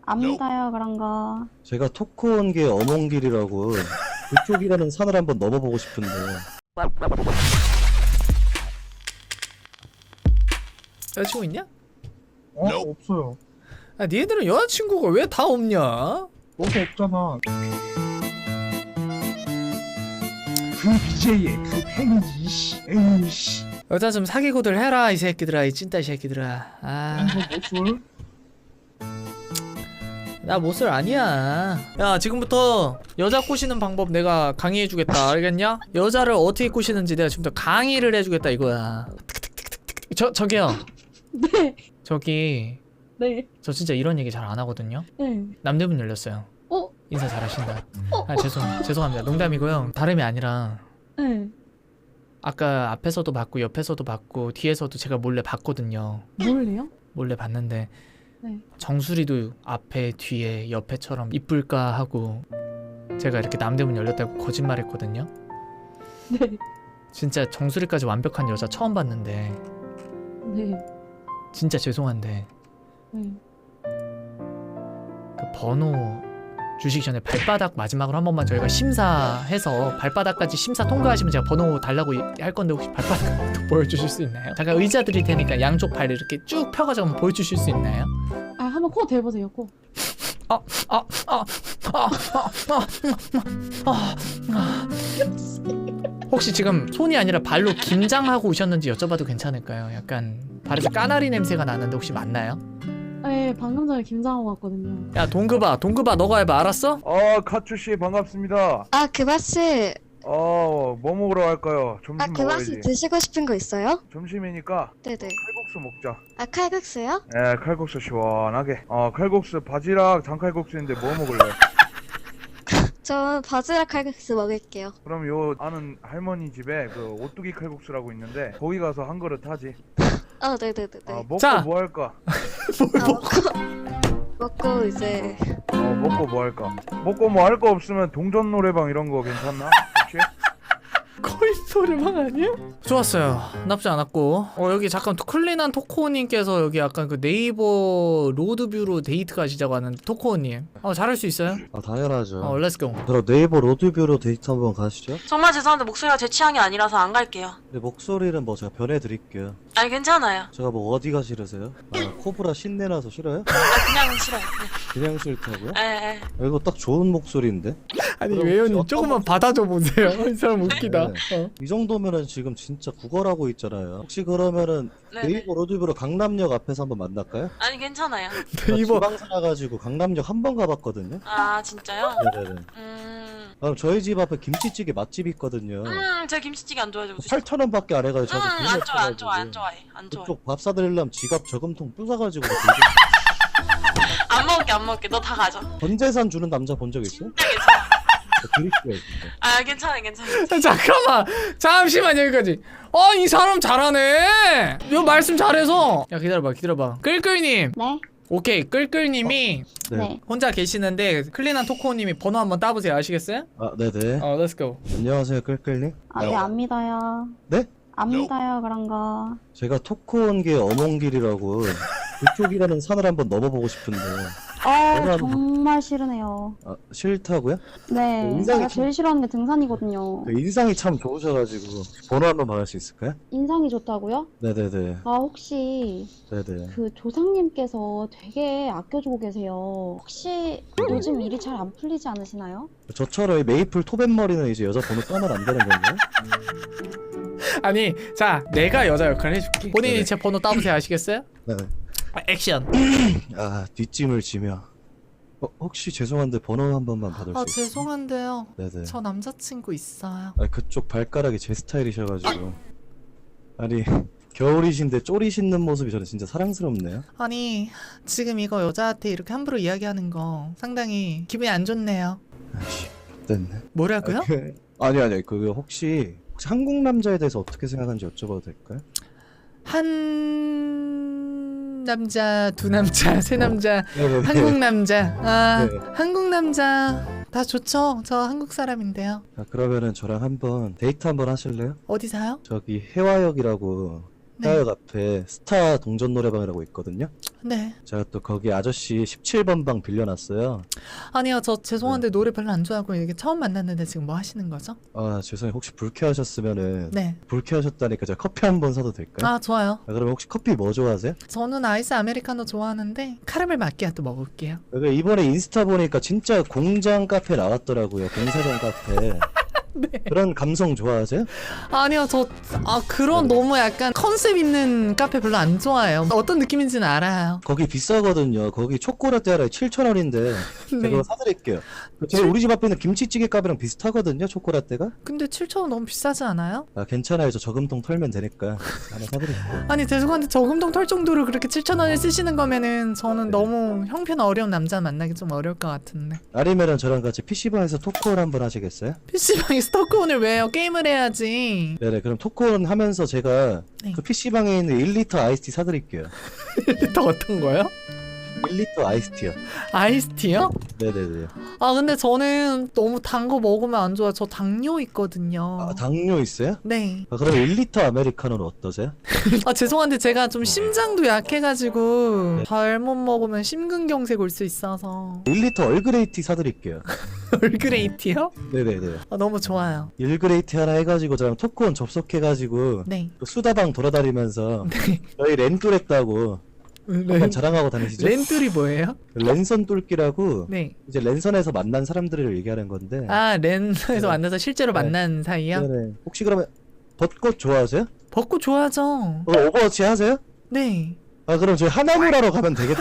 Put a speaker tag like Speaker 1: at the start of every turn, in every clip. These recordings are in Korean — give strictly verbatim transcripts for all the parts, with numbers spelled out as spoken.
Speaker 1: 안 믿어요 그런 거.
Speaker 2: 제가 토크 온 게 어몽길이라고 그쪽이라는 산을 한번 넘어보고 싶은데.
Speaker 3: 여자친구 있냐?
Speaker 4: 어? 없어요.
Speaker 3: 아, 니네들은 여자친구가 왜 다 없냐?
Speaker 4: 너도 없잖아. 그 비제이의 그 팽이지, 씨. 에휴, 씨.
Speaker 3: 여자 좀 사귀고들 해라 이 새끼들아, 이 찐따 이 새끼들아. 아,
Speaker 4: 이거 못쏠?
Speaker 3: 나 못쏠 아니야. 야, 지금부터 여자 꼬시는 방법 내가 강의해주겠다, 알겠냐? 여자를 어떻게 꼬시는지 내가 지금부터 강의를 해주겠다 이거야. 저, 저기요.
Speaker 1: 네.
Speaker 3: 저기
Speaker 1: 네.
Speaker 3: 저 진짜 이런 얘기 잘 안 하거든요.
Speaker 1: 네.
Speaker 3: 남대문 열렸어요.
Speaker 1: 어?
Speaker 3: 인사 잘하신다.
Speaker 1: 어?
Speaker 3: 아, 죄송 죄송합니다. 농담이고요. 다름이 아니라
Speaker 1: 네.
Speaker 3: 아까 앞에서도 봤고 옆에서도 봤고 뒤에서도 제가 몰래 봤거든요.
Speaker 1: 뭘래요?
Speaker 3: 몰래 봤는데
Speaker 1: 네.
Speaker 3: 정수리도 앞에 뒤에 옆에처럼 이쁠까 하고 제가 이렇게 남대문 열렸다고 거짓말했거든요.
Speaker 1: 네.
Speaker 3: 진짜 정수리까지 완벽한 여자 처음 봤는데
Speaker 1: 네.
Speaker 3: 진짜 죄송한데
Speaker 1: 네.
Speaker 3: 그 번호 주시기 전에 발바닥 마지막으로 한 번만 저희가 심사해서 발바닥까지 심사 통과하시면 제가 번호 달라고 할 건데 혹시 발바닥 보여주실 수 있나요? 잠깐 의자 드릴 테니까 양쪽 발을 이렇게 쭉 펴가지고 한번 보여주실 수 있나요?
Speaker 1: 아 한번 코 대보세요 코.
Speaker 3: 아, 아, 아, 아, 아, 아, 아. 혹시 지금 손이 아니라 발로 김장하고 오셨는지 여쭤봐도 괜찮을까요? 약간 발에서 까나리 냄새가 나는데 혹시 맞나요?
Speaker 1: 네 방금 전에 김장하고 왔거든요.
Speaker 3: 야 동급아, 동급아 너가 해봐, 알았어?
Speaker 4: 아, 카츠씨 반갑습니다.
Speaker 5: 아, 그바스.
Speaker 4: 어, 뭐 먹으러 갈까요? 점심
Speaker 5: 아, 그바스
Speaker 4: 먹어야지.
Speaker 5: 드시고 싶은 거 있어요?
Speaker 4: 점심이니까
Speaker 5: 네네.
Speaker 4: 칼국수 먹자.
Speaker 5: 아, 칼국수요?
Speaker 4: 예, 칼국수 시원하게. 어, 칼국수 바지락 장칼국수인데 뭐 먹을래?
Speaker 5: 저 바지락 칼국수 먹을게요.
Speaker 4: 그럼 요 아는 할머니 집에 그 오뚜기 칼국수라고 있는데 거기 가서 한 그릇 하지.
Speaker 5: 아, 네네네네.
Speaker 4: 어, 먹고
Speaker 3: 자.
Speaker 4: 뭐 할까?
Speaker 5: 아, 먹고, 먹고 이제
Speaker 4: 어, 먹고 뭐 할까? 먹고 뭐 할 거 없으면 동전 노래방 이런 거 괜찮나? 혹시?
Speaker 3: 거의 노래방 아니야? 좋았어요. 나쁘지 않았고. 어 여기 잠깐 클린한 토코님께서 여기 약간 그 네이버 로드뷰로 데이트 가시자고 하는 토코님. 어 잘할 수 있어요?
Speaker 2: 아 당연하죠.
Speaker 3: 어 렛츠고.
Speaker 2: 그럼 네이버 로드뷰로 데이트 한번 가시죠.
Speaker 6: 정말 죄송한데 목소리가 제 취향이 아니라서 안 갈게요.
Speaker 2: 근데 목소리는 뭐 제가 변해드릴게요.
Speaker 6: 아니 괜찮아요.
Speaker 2: 제가 뭐 어디가 싫으세요? 아, 코브라 신내나서 싫어요?
Speaker 6: 아 그냥 싫어요.
Speaker 2: 그냥 싫다고요?
Speaker 6: 예, 예.
Speaker 2: 아, 이거 딱 좋은 목소리인데?
Speaker 3: 아니
Speaker 2: 그럼
Speaker 3: 외연님
Speaker 2: 어떤
Speaker 3: 조금만 받아줘 보세요. 이 사람 웃기다.
Speaker 2: 네.
Speaker 3: 어.
Speaker 2: 이 정도면은 지금 진짜 구걸하고 있잖아요. 혹시 그러면은
Speaker 6: 네네.
Speaker 2: 네이버 로드뷰로 강남역 앞에서 한번 만날까요?
Speaker 6: 아니 괜찮아요.
Speaker 3: 네이버
Speaker 2: 지방 살아가지고 강남역 한 번 가봤거든요.
Speaker 6: 아 진짜요?
Speaker 2: 네네네.
Speaker 6: 음,
Speaker 2: 그럼 저희 집 앞에 김치찌개 맛집 있거든요.
Speaker 6: 음, 제가 김치찌개 안 좋아해가지고.
Speaker 2: 팔천 원밖에 안 해가지고
Speaker 6: 음,
Speaker 2: 저도 돈이
Speaker 6: 안 좋아, 안
Speaker 2: 없어가지고.
Speaker 6: 좋아, 안 좋아해, 안 좋아해.
Speaker 2: 그쪽 밥 사드리려면 지갑 저금통 부숴가지고
Speaker 6: 안 먹을게, 안 먹을게. 너 다 가져.
Speaker 2: 전재산 주는 남자 본 적 있어요?
Speaker 6: 진짜 괜찮아.
Speaker 2: 드릴게요 진짜.
Speaker 6: 아 괜찮아, 괜찮아.
Speaker 3: 잠깐만 잠시만 여기까지. 어 이 사람 잘하네. 이거 말씀 잘해서. 야 기다려봐 기다려봐. 끌끌님.
Speaker 1: 네.
Speaker 3: 오케이 끌끌님이
Speaker 2: 네.
Speaker 1: 네.
Speaker 3: 혼자 계시는데 클린한 토코님이 번호 한번 따보세요. 아시겠어요?
Speaker 2: 아 네네.
Speaker 3: 어 렛츠고.
Speaker 2: 안녕하세요 끌끌님.
Speaker 1: 아 네 안 믿어요.
Speaker 2: 네?
Speaker 1: 안 믿어요 그런 거.
Speaker 2: 제가 토크 온 게 어몽길이라고 그쪽이라는 산을 한번 넘어보고 싶은데.
Speaker 1: 아
Speaker 2: 내가
Speaker 1: 정말 싫으네요.
Speaker 2: 아, 싫다고요?
Speaker 1: 네.
Speaker 2: 인상이
Speaker 1: 제가
Speaker 2: 참-
Speaker 1: 제일 싫어하는 게 등산이거든요.
Speaker 2: 그 인상이 참 좋으셔가지고 번호 한번 받을 수 있을까요?
Speaker 1: 인상이 좋다고요?
Speaker 2: 네네네.
Speaker 1: 아 혹시
Speaker 2: 네네.
Speaker 1: 그 조상님께서 되게 아껴주고 계세요. 혹시 요즘 일이 잘 안 풀리지 않으시나요?
Speaker 2: 저처럼 이 메이플 토벤머리는 이제 여자 번호 따면 안 되는 건가요?
Speaker 3: 아니 자 내가 여자 역할을 해줄게. 본인이
Speaker 2: 네네.
Speaker 3: 제 번호 따보세요. 아시겠어요?
Speaker 2: 네네.
Speaker 3: 아, 액션.
Speaker 2: 아 뒷짐을 지며. 어, 혹시 죄송한데 번호 한 번만 받을
Speaker 3: 아
Speaker 2: 수 있어요?
Speaker 3: 죄송한데요.
Speaker 2: 네네.
Speaker 3: 저 남자친구 있어요.
Speaker 2: 아 그쪽 발가락이 제 스타일이셔가지고. 아니 겨울이신데 쪼리 신는 모습이 저는 진짜 사랑스럽네요.
Speaker 3: 아니 지금 이거 여자한테 이렇게 함부로 이야기하는 거 상당히 기분이 안 좋네요.
Speaker 2: 아씨 됐네.
Speaker 3: 뭐라고요?
Speaker 2: 그, 아니 아니 그 혹시 혹시 한국 남자에 대해서 어떻게 생각하는지 여쭤봐도 될까요?
Speaker 3: 한 남자, 두 남자, 세 남자,
Speaker 2: 네네네.
Speaker 3: 한국 남자. 아
Speaker 2: 네.
Speaker 3: 한국 남자 다 좋죠. 저 한국 사람인데요.
Speaker 2: 아, 그러면은 저랑 한번 데이트 한번 하실래요?
Speaker 3: 어디 사요?
Speaker 2: 저기 해화역이라고
Speaker 3: 네.
Speaker 2: 스타역 앞에 스타 동전 노래방이라고 있거든요.
Speaker 3: 네.
Speaker 2: 제가 또 거기 아저씨 십칠 번 방 빌려놨어요.
Speaker 3: 아니요, 저 죄송한데 노래 별로 안 좋아하고 이게 처음 만났는데 지금 뭐 하시는 거죠?
Speaker 2: 아 죄송해요. 혹시 불쾌하셨으면은
Speaker 3: 네.
Speaker 2: 불쾌하셨다니까 제가 커피 한 번 사도 될까요?
Speaker 3: 아, 좋아요.
Speaker 2: 아, 그럼 혹시 커피 뭐 좋아하세요?
Speaker 3: 저는 아이스 아메리카노 좋아하는데 카라멜 마끼아또 먹을게요.
Speaker 2: 여기 이번에 인스타 보니까 진짜 공장 카페 나왔더라고요. 공사장 카페.
Speaker 3: 네.
Speaker 2: 그런 감성 좋아하세요?
Speaker 3: 아니요, 저 아 그런
Speaker 2: 네.
Speaker 3: 너무 약간 컨셉 있는 카페 별로 안 좋아해요. 어떤 느낌인지는 알아요.
Speaker 2: 거기 비싸거든요. 거기 초코라떼 하나에 칠천 원인데 제가
Speaker 3: 네.
Speaker 2: 그거 사드릴게요. 제 우리 집 앞에 있는 김치찌개 값이랑 비슷하거든요. 초코라떼가.
Speaker 3: 근데 칠천 원 너무 비싸지 않아요?
Speaker 2: 아 괜찮아요. 저 저금통 털면 되니까 하나 사드릴게요.
Speaker 3: 아니 죄송한데 저금통 털 정도로 그렇게 칠천 원을 쓰시는 거면은 저는 너무 형편 어려운 남자 만나기 좀 어려울 것 같은데.
Speaker 2: 아니면은 저랑 같이 피시방에서 토크홀 한번 하시겠어요?
Speaker 3: 피시방에서 토크온을 왜 해요? 게임을 해야지.
Speaker 2: 네네. 그럼 토크홀 하면서 제가
Speaker 3: 네.
Speaker 2: 그 피시방에 있는 일 리터 아이스티 사드릴게요.
Speaker 3: 또 어떤 거요?
Speaker 2: 일 리터 아이스티요.
Speaker 3: 아이스티요?
Speaker 2: 네네네.
Speaker 3: 아 근데 저는 너무 단 거 먹으면 안 좋아요. 저 당뇨 있거든요.
Speaker 2: 아 당뇨 있어요?
Speaker 3: 네.
Speaker 2: 아, 그럼 일 리터 아메리카노는 어떠세요?
Speaker 3: 아 죄송한데 제가 좀 심장도 약해가지고 잘못 먹으면 심근경색 올 수 있어서.
Speaker 2: 일 리터 얼그레이티 사드릴게요.
Speaker 3: 얼그레이티요?
Speaker 2: 네네네.
Speaker 3: 아 너무 좋아요.
Speaker 2: 일그레이티 하나 해가지고 저랑 토크온 접속해가지고
Speaker 3: 네.
Speaker 2: 그 수다방 돌아다니면서
Speaker 3: 네.
Speaker 2: 저희 렌뚜랬다고 한번
Speaker 3: 렌,
Speaker 2: 자랑하고 다니시죠?
Speaker 3: 렌툴이 뭐예요?
Speaker 2: 랜선 뚫기라고
Speaker 3: 네.
Speaker 2: 이제 랜선에서 만난 사람들을 얘기하는 건데.
Speaker 3: 아 렌에서
Speaker 2: 네.
Speaker 3: 만나서 실제로
Speaker 2: 네.
Speaker 3: 만난 사이요?
Speaker 2: 네네. 혹시 그러면 벚꽃 좋아하세요?
Speaker 3: 벚꽃 좋아하죠.
Speaker 2: 어, 오버워치 하세요?
Speaker 3: 네.
Speaker 2: 아 그럼 저희 하나무라로 가면 되겠다.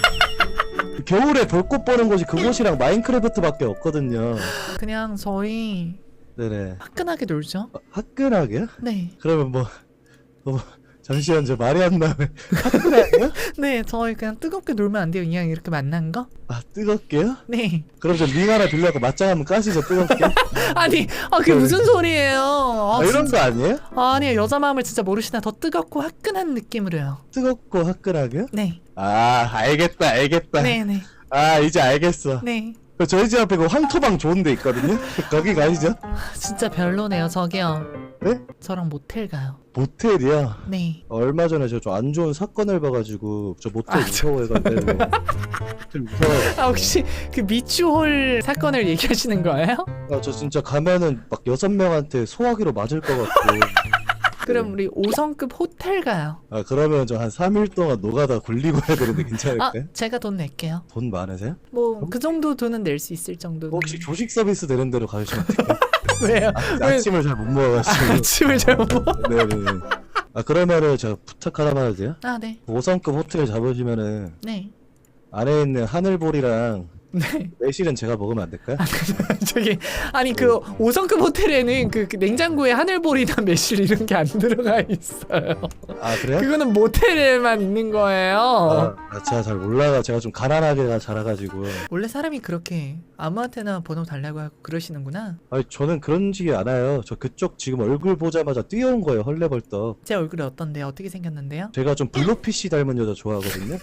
Speaker 2: 겨울에 벚꽃 보는 곳이 그곳이랑 마인크래프트밖에 없거든요.
Speaker 3: 그냥 저희
Speaker 2: 네네.
Speaker 3: 화끈하게 놀죠.
Speaker 2: 어, 화끈하게요?
Speaker 3: 네.
Speaker 2: 그러면 뭐, 뭐 잠시만 저 말이 안 나면 화끈하게요?
Speaker 3: 네, 저희 그냥 뜨겁게 놀면 안 돼요. 그냥 이렇게 만난 거?
Speaker 2: 아 뜨겁게요?
Speaker 3: 네.
Speaker 2: 그럼 저 링 하나 빌려고 맞짱 한번 까시죠 뜨겁게.
Speaker 3: 아니, 아 그게 무슨 소리예요? 아,
Speaker 2: 아, 이런
Speaker 3: 진짜.
Speaker 2: 거 아니에요?
Speaker 3: 아니요, 여자 마음을 진짜 모르시나. 더 뜨겁고 화끈한 느낌으로요.
Speaker 2: 뜨겁고 화끈하게요?
Speaker 3: 네.
Speaker 2: 아 알겠다 알겠다.
Speaker 3: 네, 네.
Speaker 2: 아 이제 알겠어.
Speaker 3: 네.
Speaker 2: 저희 집 앞에 그 황토방 좋은 데 있거든요. 거기 가시죠.
Speaker 3: 진짜 별로네요. 저기요.
Speaker 2: 네?
Speaker 3: 저랑 모텔 가요.
Speaker 2: 모텔이요.
Speaker 3: 네.
Speaker 2: 얼마 전에 저 안 좋은 사건을 봐가지고 저 모텔
Speaker 3: 아, 저-
Speaker 2: 무서워해가지고 모텔 무서워.
Speaker 3: 아 혹시 그 미추홀 사건을 얘기하시는 거예요?
Speaker 2: 아, 저 진짜 가면은 막 여섯 명한테 소화기로 맞을 것 같고.
Speaker 3: 그럼 우리 오 성급 호텔 가요.
Speaker 2: 아 그러면 저 한 삼 일 동안 노가다 굴리고 해야 되는데
Speaker 3: 아,
Speaker 2: 괜찮을까요?
Speaker 3: 제가 돈 낼게요.
Speaker 2: 돈 많으세요?
Speaker 3: 뭐 그 정도 돈은 낼 수 있을 정도.
Speaker 2: 혹시 조식 서비스 되는 대로 가주시면 안 돼요?
Speaker 3: 왜요?
Speaker 2: 아, 아침을 잘 못 먹어가지고.
Speaker 3: 아침을 잘 못 먹어?
Speaker 2: 네네네. 아 그러면은 제가 부탁 하나만 해도 돼요?
Speaker 3: 아, 네.
Speaker 2: 오 성급 호텔 잡으시면은
Speaker 3: 네.
Speaker 2: 안에 있는 하늘보리랑
Speaker 3: 네.
Speaker 2: 매실은 제가 먹으면 안 될까요?
Speaker 3: 저기 아니 그 오 성급 호텔에는 그, 그 냉장고에 하늘보리나 매실 이런 게 안 들어가 있어요.
Speaker 2: 아 그래요?
Speaker 3: 그거는 모텔에만 있는 거예요.
Speaker 2: 아, 아, 제가 잘 몰라가 제가 좀 가난하게 자라가지고.
Speaker 3: 원래 사람이 그렇게 아무한테나 번호 달라고 하고 그러시는구나.
Speaker 2: 아니 저는 그런 식이 않아요. 저 그쪽 지금 얼굴 보자마자 뛰어온 거예요. 헐레벌떡.
Speaker 3: 제 얼굴이 어떤데요? 어떻게 생겼는데요?
Speaker 2: 제가 좀 블루피쉬 닮은 여자 좋아하거든요.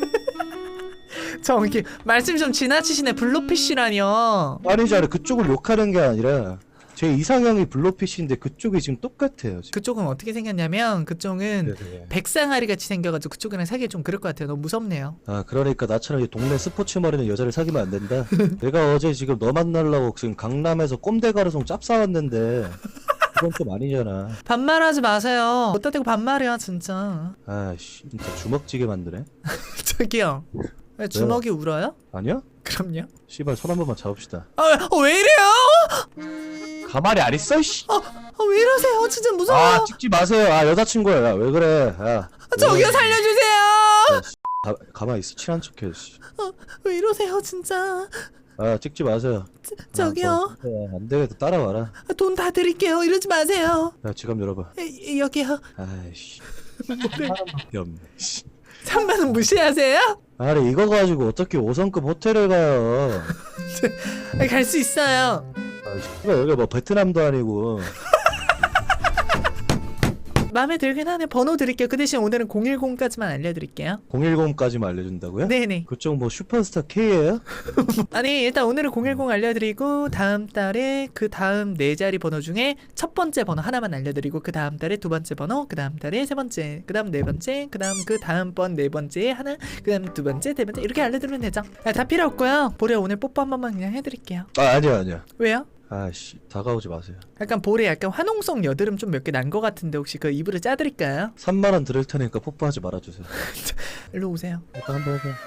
Speaker 3: 저기 말씀 좀 지나치시네. 블루피쉬라뇨.
Speaker 2: 아니지 아니 그쪽을 욕하는 게 아니라 제 이상형이 블루피쉬인데 그쪽이 지금 똑같아요. 지금.
Speaker 3: 그쪽은 어떻게 생겼냐면 그쪽은
Speaker 2: 네네.
Speaker 3: 백상아리 같이 생겨가지고 그쪽이랑 사기 좀 그럴 것 같아요. 너무 무섭네요.
Speaker 2: 아 그러니까 나처럼 이 동네 스포츠 머리는 여자를 사귀면 안 된다. 내가 어제 지금 너 만나려고 지금 강남에서 꼼데 가르송 짭 싸왔는데 그건 좀 아니잖아.
Speaker 3: 반말하지 마세요. 어디다 대고 반말이야 진짜.
Speaker 2: 아씨 진짜 주먹지게 만드네.
Speaker 3: 저기요. 왜 주먹이 울어요?
Speaker 2: 아니야?
Speaker 3: 그럼요.
Speaker 2: 씨발 손 한 번만 잡읍시다.
Speaker 3: 아, 왜- 어, 왜 이래요?
Speaker 2: 가만히 안 있어 씨.
Speaker 3: 아, 왜 이러세요? 진짜 무서워.
Speaker 2: 아 찍지 마세요. 아 여자친구야. 야, 왜 그래? 야.
Speaker 3: 아, 저기요 살려주세요.
Speaker 2: 가, 가만히 있어. 친한 척해. 씨.
Speaker 3: 왜 이러세요 진짜.
Speaker 2: 아 찍지 마세요.
Speaker 3: 저기요.
Speaker 2: 아, 뭐, 안 되겠다. 따라와라.
Speaker 3: 아, 돈 다 드릴게요. 이러지 마세요.
Speaker 2: 야 지갑 열어봐.
Speaker 3: 에, 여기요.
Speaker 2: 아이씨. 사람밖에 없네. 씨.
Speaker 3: 삼만 원 무시하세요?
Speaker 2: 아니 이거 가지고 어떻게 오 성급 호텔을 가요?
Speaker 3: 갈 수 있어요.
Speaker 2: 아, 씨발 여기 뭐 베트남도 아니고.
Speaker 3: 마음에 들긴 하네. 번호 드릴게요. 그 대신 오늘은 공일공까지만 알려드릴게요.
Speaker 2: 공일공까지만 알려준다고요?
Speaker 3: 네네.
Speaker 2: 그쪽 뭐 슈퍼스타 K예요?
Speaker 3: 아니 일단 오늘은 공일공 알려드리고 다음 달에 그 다음 네 자리 번호 중에 첫 번째 번호 하나만 알려드리고 그 다음 달에 두 번째 번호, 그 다음 달에 세 번째, 그 다음 네 번째, 그 다음 그 다음 번 네 번째에 하나, 그 다음 두 번째, 네 번째 이렇게 알려드리면 되죠. 아, 다 필요 없고요. 보레 오늘 뽀뽀 한 번만 그냥 해드릴게요.
Speaker 2: 아 아니야 아니야.
Speaker 3: 왜요?
Speaker 2: 아씨 다가오지 마세요.
Speaker 3: 약간 볼에 약간 화농성 여드름 좀 몇 개 난 거 같은데 혹시 그 이불을 짜드릴까요?
Speaker 2: 삼만 원 드릴 테니까 뽀뽀하지 말아주세요.
Speaker 3: 일로 오세요.
Speaker 2: 일단 한번 해봐.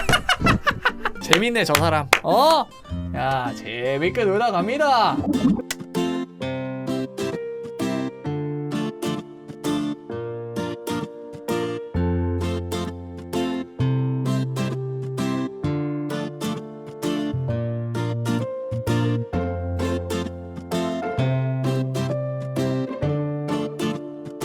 Speaker 3: 재밌네 저 사람. 어? 야 재밌게 놀다 갑니다.